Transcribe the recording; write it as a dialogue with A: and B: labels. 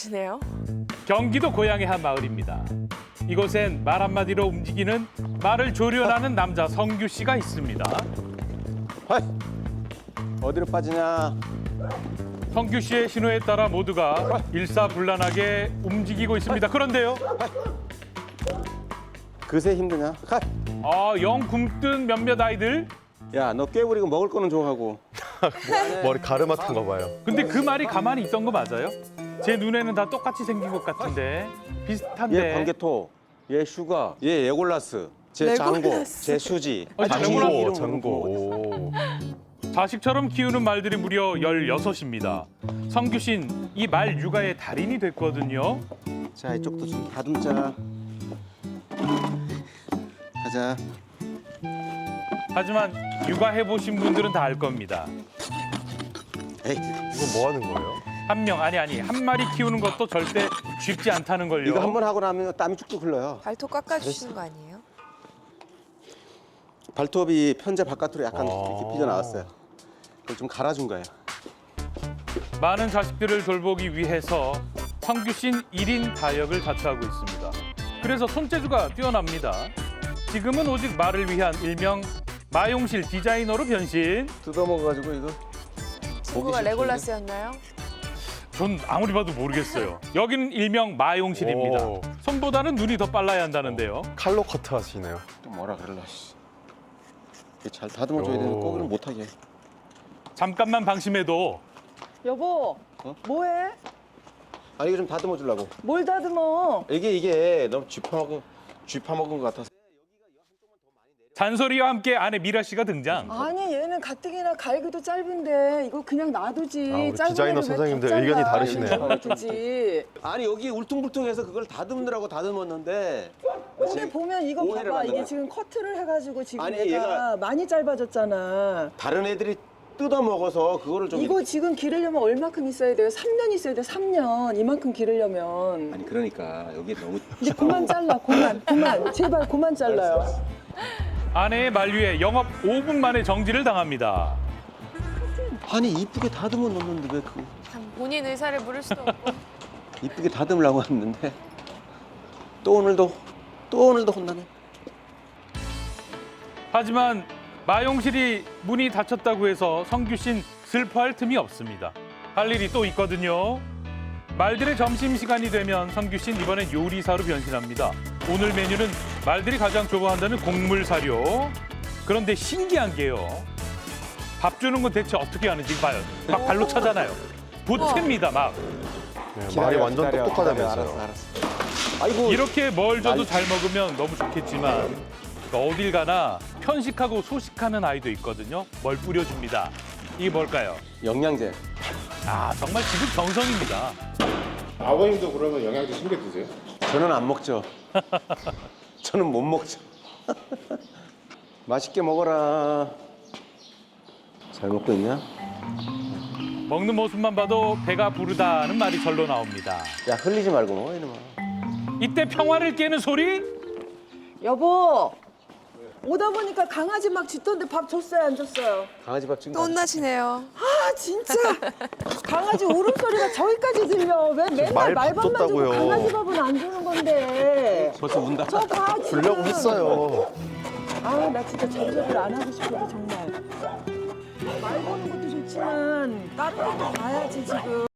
A: 네요.
B: 경기도 고향의 한 마을입니다. 이곳엔 말 한마디로 움직이는 말을 조련하는 남자 성규 씨가 있습니다.
C: 하이, 어디로 빠지냐?
B: 성규 씨의 신호에 따라 모두가 일사불란하게 움직이고 있습니다. 그런데요,
C: 그새 힘드냐? 하이.
B: 영 굶뜬 몇몇 아이들.
C: 야, 너 꾀부리고 먹을 거는 좋아하고.
D: 머리 가르마탄가 봐요.
B: 근데 그 말이 가만히 있던 거 맞아요? 제 눈에는 다 똑같이 생긴 것 같은데 비슷한데.
C: 얘 광개토, 얘 슈가, 얘 예골라스, 제 장고,
A: 레골라스.
C: 제 수지.
B: 장고,
D: 장고. 오.
B: 자식처럼 키우는 말들이 무려 16입니다. 성규 씨는 이 말 육아의 달인이 됐거든요.
C: 자, 이쪽도 좀 다듬자. 가자.
B: 하지만 육아해보신 분들은 다 알 겁니다.
C: 에이,
D: 이거 뭐 하는 거예요?
B: 한 마리 키우는 것도 절대 쉽지 않다는 걸요.
C: 이거 한 번 하고 나면 땀이 쭉쭉 흘러요.
A: 발톱 깎아주시는 거 아니에요?
C: 발톱이 편제 바깥으로 약간
D: 아.
C: 이렇게 삐져나왔어요. 그걸 좀 갈아준 거예요.
B: 많은 자식들을 돌보기 위해서 성규 씨는 1인 다역을 자처하고 있습니다. 그래서 손재주가 뛰어납니다. 지금은 오직 말을 위한 일명 마용실 디자이너로 변신.
C: 뜯어먹어가지고 이거.
A: 친구가
C: 싫던데?
A: 레골라스였나요?
B: 전 아무리 봐도 모르겠어요. 여기는 일명 마용실입니다.
D: 오.
B: 손보다는 눈이 더 빨라야 한다는데요.
D: 칼로 커트 하시네요.
C: 또 뭐라 그럴라. 씨. 이게 잘 다듬어줘야 되는데
D: 오.
C: 꼬기는 못하게.
B: 잠깐만 방심해도
E: 여보,
C: 어?
E: 뭐해?
C: 아, 이거 좀 다듬어 주려고.
E: 뭘 다듬어?
C: 이게 너무 쥐파먹은 것 같아서.
B: 잔소리와 함께 아내 미라 씨가 등장.
E: 아니 얘는 가뜩이나 갈기도 짧은데 이거 그냥 놔두지.
D: 아, 우리
E: 짧은
D: 디자이너
E: 애를 왜
D: 선생님들
E: 더
D: 의견이
E: 잘라?
D: 다르시네요.
E: 이거 놔두지.
C: 아니 여기 울퉁불퉁해서 그걸 다듬느라고 다듬었는데.
E: 근데 보면 이거
C: 오해를
E: 봐봐.
C: 받는
E: 이게
C: 거야.
E: 지금 커트를 해가지고 지금
C: 아니,
E: 얘가 많이 짧아졌잖아.
C: 다른 애들이 뜯어 먹어서 그거를 좀.
E: 이거 지금 기르려면 얼마큼 있어야 돼요? 3년 있어야 돼. 3년. 이만큼 기르려면.
C: 아니 그러니까 여기 너무.
E: 이제 그만 잘라. 그만. 제발 그만 잘라요.
B: 아내의 만류에 영업 5분 만에 정지를 당합니다.
C: 아니 이쁘게 다듬어 놓는데 왜 그
A: 참 본인 의사를 물을 수도 없고.
C: 이쁘게 다듬으려고 했는데 또 오늘도 혼나네.
B: 하지만 마용실이 문이 닫혔다고 해서 성규 씨는 슬퍼할 틈이 없습니다. 할 일이 또 있거든요. 말들의 점심시간이 되면 성규 씨는 이번엔 요리사로 변신합니다. 오늘 메뉴는 말들이 가장 좋아한다는 곡물 사료. 그런데 신기한 게요. 밥 주는 건 대체 어떻게 하는지 봐요. 막 발로 차잖아요. 보탭니다 막.
D: 네, 말이 완전 똑똑하다면서요.
C: 알았어. 아이고.
B: 이렇게 뭘 줘도
C: 난리-
B: 잘 먹으면 너무 좋겠지만 어딜 가나 편식하고 소식하는 아이도 있거든요. 뭘 뿌려줍니다. 이게 뭘까요?
C: 영양제.
B: 아 정말 지금 정성입니다.
F: 아버님도 그러면 영양제 챙겨 드세요?
C: 저는 안 먹죠. 저는 못 먹죠. 맛있게 먹어라. 잘 먹고 있냐?
B: 먹는 모습만 봐도 배가 부르다는 말이 절로 나옵니다.
C: 야 흘리지 말고 먹어 이놈아.
B: 이때 평화를 깨는 소리?
E: 여보. 오다 보니까 강아지 막 짖던데 밥 줬어요? 안 줬어요?
C: 강아지 밥 지금.
A: 또 혼나시네요.
E: 아 진짜 강아지 울음소리가 저기까지 들려. 왜 맨날
D: 말
E: 말밥만 주고
D: 줬다고요.
E: 강아지 밥은 안 주는 건데.
C: 벌써 운다.
E: 저봐
D: 주려고 했어요.
E: 아나 진짜 잔소리를 안 하고 싶어도 정말. 말 거는 것도 좋지만 다른 것도 봐야지 지금.